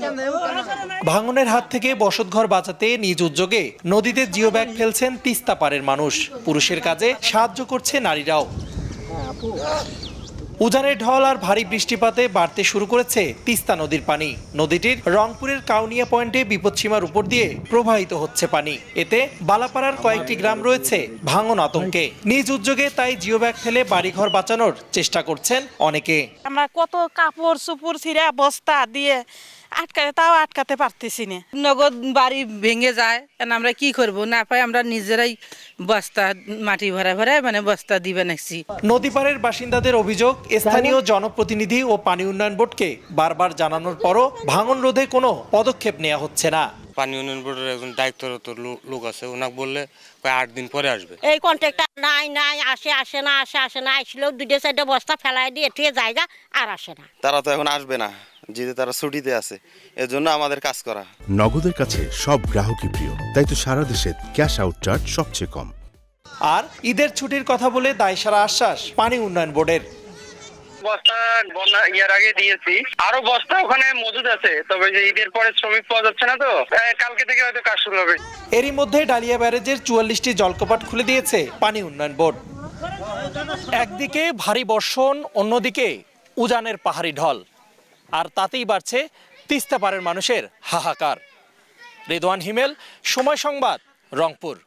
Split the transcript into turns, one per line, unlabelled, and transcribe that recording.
ভাঙনের হাত থেকে বসতঘর বাঁচাতে নিজ উদ্যোগে নদীতে জিও ব্যাগ ফেলছেন তিস্তা পাড়ের মানুষ। পুরুষের কাজে সাহায্য করছে নারীরাও। উজানের ঢল আর ভারী বৃষ্টিপাতে বাড়তে শুরু করেছে তিস্তা নদীর পানি। নদীটির রংপুরের কাউনিয়া পয়েন্টে বিপদসীমার উপর দিয়ে প্রবাহিত হচ্ছে পানি। এতে বালাপাড়ার কয়েকটি গ্রাম রয়েছে ভাঙন আতঙ্কে। নিজ উদ্যোগে তাই জিও ব্যাগ ফেলে বাড়িঘর বাঁচানোর চেষ্টা করছেন অনেকে।
আমরা কত কাপড় চুপড় ছিঁড়া বস্তা দিয়ে আটকাতে পারতেছি না।
নগদ বাড়ি ভেঙে যায়, আমরা কি করব, না পাই আমরা নিজেরাই বস্তা মাটি ভরা বস্তা দিবে নাকছি।
নদীপাড়ের বাসিন্দাদের অভিযোগ, স্থানীয় জনপ্রতিনিধি ও পানি উন্নয়ন বোর্ডকে বারবার জানানোর পরও ভাঙন রোধে কোনো পদক্ষেপ নেওয়া হচ্ছে না।
পানি উন্নয়ন বোর্ডের একজন দায়িত্বরত লোক আছে, ওনাকে বললে 8 দিন পরে আসবে।
এই কন্ট্রাক্টর নাই আসে না আসলেও 2-4টা বস্তা ফেলাই দিয়ে ঠিক জায়গা আর আসে না।
তারা তো এখন আসবে না, যেহেতু তারা ছুটিতে আছে, এজন্য আমাদের কাজ করা।
নগদের কাছে সব গ্রাহকই প্রিয়, তাই তো সারা দেশে ক্যাশ আউট চার্জ সবচেয়ে কম।
আর ঈদের ছুটির কথা বলে দায়সারা আশ্বাস পানি উন্নয়ন বোর্ডের।
বস্তা বন্যা ইয়ার আগে দিয়েছি, আরো বস্তা ওখানে মজুদ আছে, তবে যে ঈদের পরে শ্রমিক পাওয়া যাচ্ছে না, তো কালকে থেকে হয়তো কাজ শুরু হবে।
এরই মধ্যে ডালিয়া ব্যারেজের 44টি জলকপাট খুলে দিয়েছে পানি উন্নয়ন বোর্ড। একদিকে ভারী বর্ষণ, অন্যদিকে উজানের পাহাড়ি ঢল, আর তাতেই বাড়ছে তিস্তা পাড়ের মানুষের হাহাকার। রেদওয়ান হিমেল, সময় সংবাদ, রংপুর।